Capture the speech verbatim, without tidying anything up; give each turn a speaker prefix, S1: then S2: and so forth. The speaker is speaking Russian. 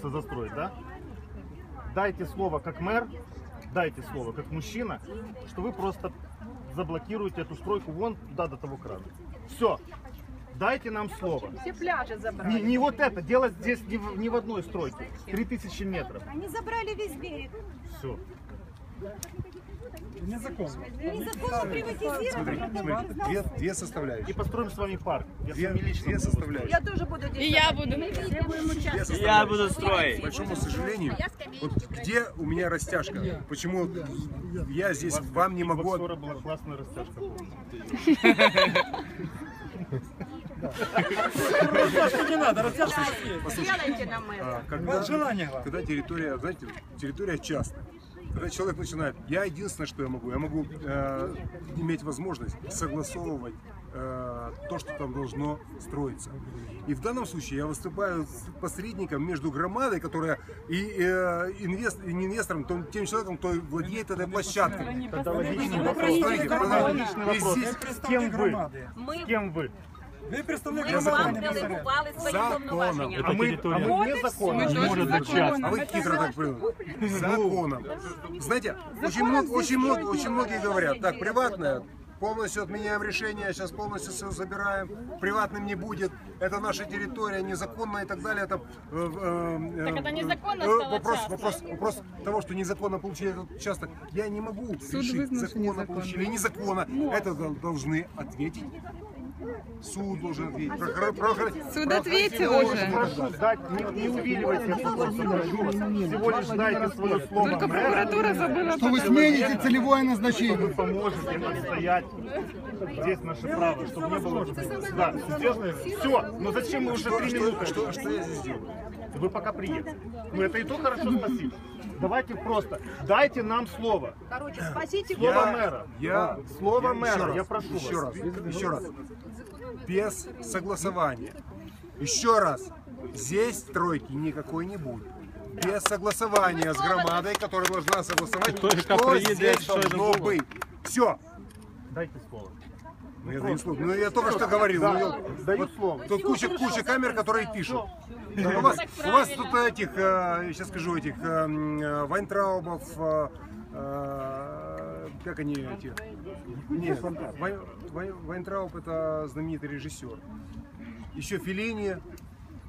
S1: застроить, да? Дайте слово как мэр, дайте слово как мужчина, что вы просто заблокируете эту стройку вон туда до того крана. Все. Дайте нам слово.
S2: Все пляжи забрали.
S1: Не, не вот это, дело здесь не в, не в одной стройке. три тысячи метров.
S3: Они забрали весь берег.
S1: Все.
S4: Незаконно.
S3: Незаконно приватизировали.
S5: Смотри, смотри, две, две составляющие.
S1: И построим с вами парк. Я
S5: Две,
S1: с вами лично
S5: две
S1: буду
S5: составляющие.
S2: Я тоже буду
S6: И я буду.
S2: Все будем участвовать.
S6: Я буду
S5: К
S6: строить.
S5: большому сожалению, вот где у меня растяжка? Почему я здесь вам не могу...
S1: Скоро была классная растяжка.
S4: Не надо, растяжка есть.
S2: Сделайте нам это.
S5: Когда,
S4: Желание.
S5: когда территория, знаете, территория частная. Когда человек начинает, я единственное, что я могу, я могу э, иметь возможность согласовывать э, то, что там должно строиться. И в данном случае я выступаю с посредником между громадой, которая и э, инвест, и не инвестором, том, тем человеком, кто владеет этой площадкой.
S1: Тогда логичный вопрос.
S5: Смотрите,
S1: Логичный
S5: и
S1: вопрос.
S5: здесь
S1: С кем вы?
S2: Ми,
S1: С кем вы?
S4: Ви представник
S2: ми вам
S4: закону.
S2: делегували свої
S5: Законом.
S2: повноваження.
S1: А мы, а мы вне закона.
S5: А вы хитро так поняли. Законом. Знаете, очень, много, очень, много, очень многие говорят, так, приватное, полностью отменяем решение, сейчас полностью все забираем, приватным не будет, это наша территория, незаконно и так далее. Это, э, э,
S6: Так это незаконно
S5: э,
S6: стало
S5: вопрос,
S6: частным.
S5: вопрос, вопрос того, что незаконно получили этот участок, я не могу решить, законно получили, незаконно. Это дол- должны ответить. Суд должен ответить. Прохор- прохор-
S6: Суд ответил
S5: прохор-
S6: уже.
S1: Прошу дать, не, не увиливайте этот вопрос, прошу вас. Всего лишь дайте свое слово
S6: Только
S1: мэра,
S6: прокуратура забыла.
S7: Что вы смените целевое
S1: что вы
S7: назначение.
S1: поможете отстоять здесь наше право, чтобы не было... Да, все, но зачем мы уже три минуты?
S5: Что, что я здесь делаю?
S1: Вы пока приедете. Ну это и то хорошо, спасибо. Давайте просто, дайте нам слово.
S2: Короче, спасите
S1: Слово
S5: Я-
S1: мэра.
S5: Я,
S1: Слово
S5: я
S1: мэра,
S5: еще раз,
S1: я прошу
S5: еще
S1: вас.
S5: раз, еще раз. Без согласования. Еще раз. Здесь стройки никакой не будет. Без согласования с громадой, которая должна согласовать, что здесь должно быть. Все.
S1: Дайте слово.
S5: Ну, я даю слово. Ну, я только что говорил.
S1: Да,
S5: ну,
S1: даю
S5: вот
S1: слово.
S5: Тут куча, куча камер, которые пишут. У вас, у вас тут этих, э, сейчас скажу, этих э, м, Вайнтраубов, э, э, как они эти? Нет, Вай- Вай- Вайнтрауб это знаменитый режиссер. Еще Феллини,